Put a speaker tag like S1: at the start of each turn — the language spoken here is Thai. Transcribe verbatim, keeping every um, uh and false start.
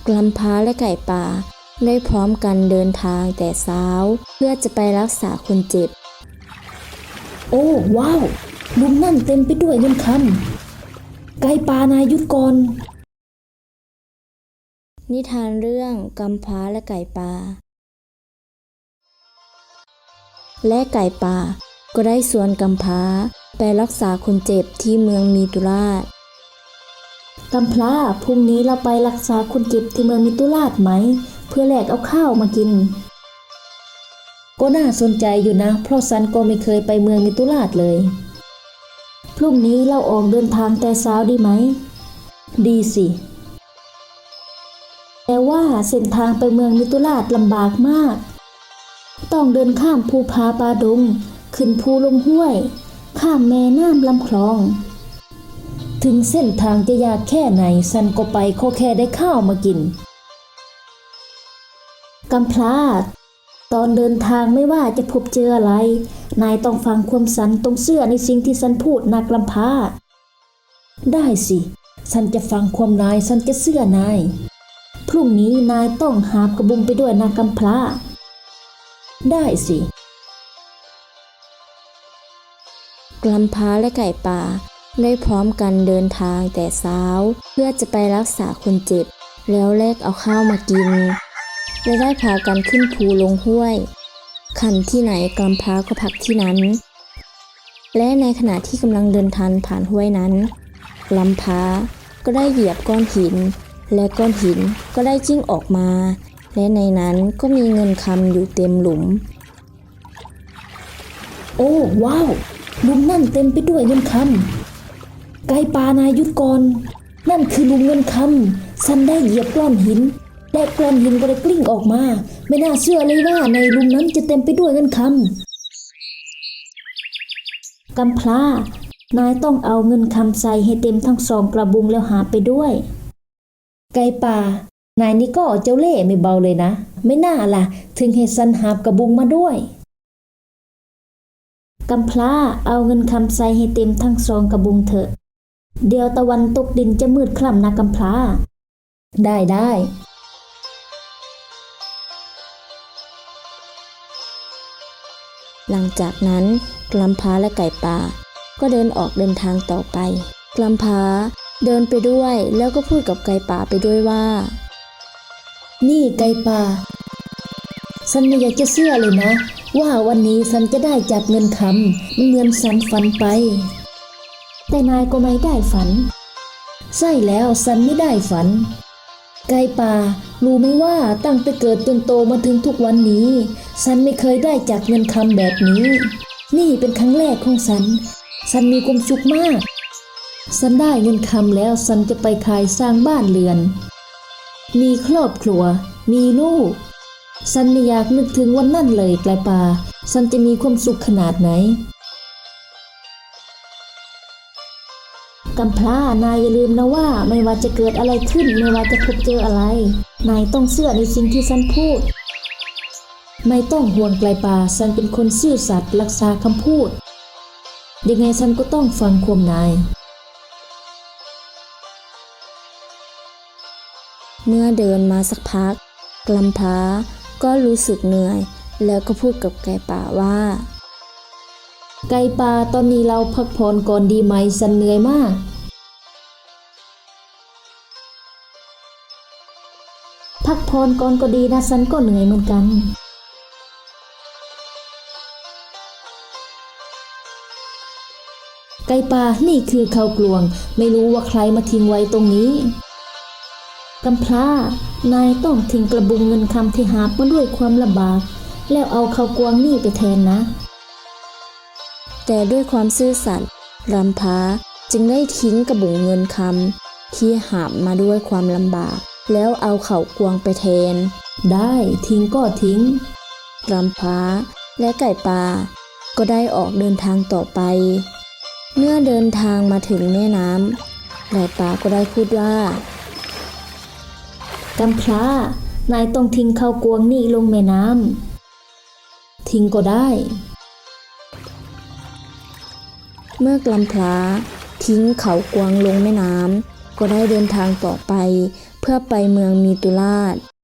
S1: กำพร้าและไก่ป่าได้พร้อมกันเดินทางแต่เช้าเพื่อจะไปรักษาคนเจ็บ
S2: โอ้ว้าวหลุมนั่นเต็มไปด้วยเงินคำไก่ป่านายหยุดก่อน
S1: นิทานเรื่องกำพร้าและไก่ป่าและไก่ป่าก็ได้ชวนกำพร้าไปรักษาคนเจ็บที่เมืองมีตุราช
S2: กำพร้าพรุ่งนี้เราไปรักษาคนเจ็บที่เมืองมิตุราชไหมเพื่อแลกเอาข้าวมากินก็น่าสนใจอยู่นะเพราะฉันก็ไม่เคยไปเมืองมิตุราชเลยพรุ่งนี้เราออกเดินทางแต่เช้าดีไหมดีสิแต่ว่าเส้นทางไปเมืองมิตุราชลำบากมากต้องเดินข้ามภูผาป่าดงขึ้นภูลงห้วยข้ามแม่น้ำลำคลองถึงเส้นทางจะยากแค่ไหนฉันก็ไปขอแค่ได้ข้าวมากินกำพร้าตอนเดินทางไม่ว่าจะพบเจออะไรนายต้องฟังความสันต้องเชื่อในสิ่งที่ฉันพูดนะกำพร้าได้สิฉันจะฟังความนายฉันจะเชื่อนายพรุ่งนี้นายต้องหาบกระบุงไปด้วยนะกำพร้าได้สิ
S1: กำพร้าและไก่ป่าได้พร้อมกันเดินทางแต่เช้าเพื่อจะไปรักษาคนเจ็บแล้วแลกเอาข้าวมากินและได้พากันขึ้นภูลงห้วยขันที่ไหนกำพร้าก็พักที่นั้นและในขณะที่กำลังเดินทางผ่านห้วยนั้นกำพร้าก็ได้เหยียบก้อนหินและก้อนหินก็ได้จิ้งออกมาและในนั้นก็มีเงินคำอยู่เต็มหลุม
S2: โอ้ว้าวหลุมนั่นเต็มไปด้วยเงินคำไก่ป่านายหยุดก่อนนั่นคือหลุมเงินคำฉันได้เหยียบก้อนหินและก้อนหินก็ได้กลิ้งออกมาไม่น่าเชื่อเลยว่าในหลุมนั้นจะเต็มไปด้วยเงินคำกำพร้านายต้องเอาเงินคำใส่ให้เต็มทั้งสองกระบุงแล้วหาไปด้วยไก่ป่านายนี่ก็เจ้าเล่ห์ไม่เบาเลยนะไม่น่าล่ะถึงให้ฉันหาบกระบุงมาด้วยกำพร้าเอาเงินคำใส่ให้เต็มทั้งสองกระบุงเถอะเดี๋ยวตะวันตกดินจะมืดคล้ำนะกำพร้าได้ได้
S1: หลังจากนั้นกำพร้าและไก่ป่าก็เดินออกเดินทางต่อไปกำพร้าเดินไปด้วยแล้วก็พูดกับไก่ป่าไปด้วยว่า
S2: นี่ไก่ป่าฉันไม่อยากจะเชื่อเลยนะว่าวันนี้ฉันจะได้จับเงินคำมันเหมือนฉันฝันไปแต่นายก็ไม่ได้ฝันใช่แล้วฉันไม่ได้ฝันไก่ป่ารู้ไหมว่าตั้งแต่เกิดจนโตมาถึงทุกวันนี้ฉันไม่เคยได้จับเงินคำแบบนี้นี่เป็นครั้งแรกของฉันฉันมีความสุขมากฉันได้เงินคำแล้วฉันจะไปขายสร้างบ้านเรือนมีครอบครัวมีลูกฉันไม่อยากนึกถึงวันนั้นเลยไก่ป่าฉันจะมีความสุขขนาดไหนกำพร้านายอย่าลืมนะว่าไม่ว่าจะเกิดอะไรขึ้นไม่ว่าจะพบเจออะไรนายต้องเชื่อในสิ่งที่ฉันพูดไม่ต้องห่วงไก่ป่าฉันเป็นคนซื่อสัตย์รักษาคำพูดยังไงฉันก็ต้องฟังความนาย
S1: เมื่อเดินมาสักพักกำพร้าก็รู้สึกเหนื่อยแล้วก็พูดกับไก่ป่าว่า
S2: ไก่ป่าตอนนี้เราพักผ่อนก่อนดีไหมฉันเหนื่อยมากพักผ่อนก่อนก็ดีนะฉันก็เหนื่อยเหมือนกันไก่ป่านี่คือข้าวกลวงไม่รู้ว่าใครมาทิ้งไว้ตรงนี้กำพร้านายต้องทิ้งกระบุงเงินคำที่หาบมาด้วยความลำบากแล้วเอาข้าวกลวงนี่ไปแทนนะ
S1: แต่ด้วยความซื่อสัตย์กำพร้าจึงได้ทิ้งกระบุงเงินคำที่หาบมาด้วยความลำบากแล้วเอาข้าวกลวงไปแทน
S2: ได้ทิ้งก็ทิ้ง
S1: กำพร้าและไก่ป่าก็ได้ออกเดินทางต่อไปเมื่อเดินทางมาถึงแม่น้ำไก่ป่าก็ได้พูดว่าก
S2: ำพร้านายต้องทิ้งข้าวกลวงนี่ลงแม่น้ำทิ้งก็ได้
S1: เมื่อกำพร้าทิ้งข้าวกลวงลงแม่น้ำก็ได้เดินทางต่อไป เพื่อไปเมืองมีตุราช